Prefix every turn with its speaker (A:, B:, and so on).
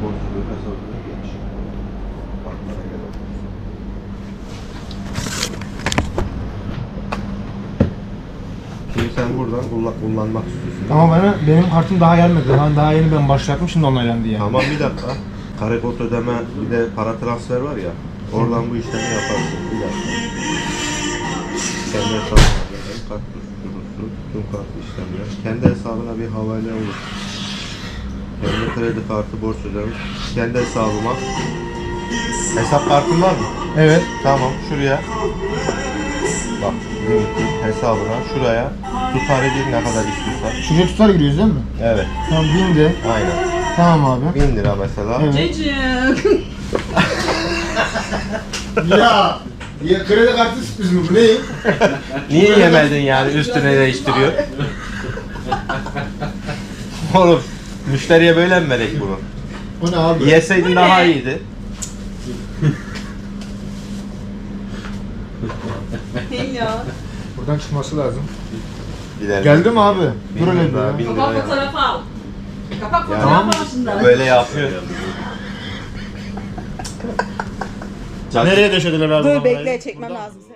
A: borçluluğu hesabına geç. Bakmana gerek. Şimdi sen buradan kullanmak istiyorsun.
B: Ama benim kartım daha gelmedi. Daha yeni ben başlattım, şimdi onaylandı yani.
A: Tamam, bir dakika. Karekod ödeme, bir de para transfer var ya. Oradan bu işlemi yaparsın. Bir dakika. Kendi hesabına kart kurusu, tüm kart işlemler. Kendi hesabına bir havale olur. Kendi kredi kartı borç ödeme. Kendi hesabıma. Hesap kartın var mı?
B: Evet.
A: Tamam, şuraya. Bak, hesabına şuraya tutarı bir ne kadar istiyorsan.
B: Şuraya tutar giriyoruz değil mi?
A: Evet.
B: Tamam, 1000 de.
A: Aynen.
B: Tamam abi.
A: 1000 lira mesela.
B: Evet.
C: Cacık.
B: Ya kredi kartı sürpriz mi bu, ne?
A: Niye yemedin yani, üstüne değiştiriyor? Oğlum, müşteriye böyle mi verek bunu?
B: O ne abi?
A: Yeseydin daha iyiydi.
C: Hey ya.
B: Buradan çıkması lazım.
A: Gidelim.
B: Geldi mi abi?
A: Bin
B: Dur hele
A: lira daha,
B: bir
A: 1000
B: ya.
A: lira
C: Kapak
A: ya.
C: fotoğrafı al. Kapak
A: Yani
C: fotoğrafı al şundan.
A: böyle yapıyor.
B: Nereye döşediler abi?
C: Dur bekle, çekmem lazım.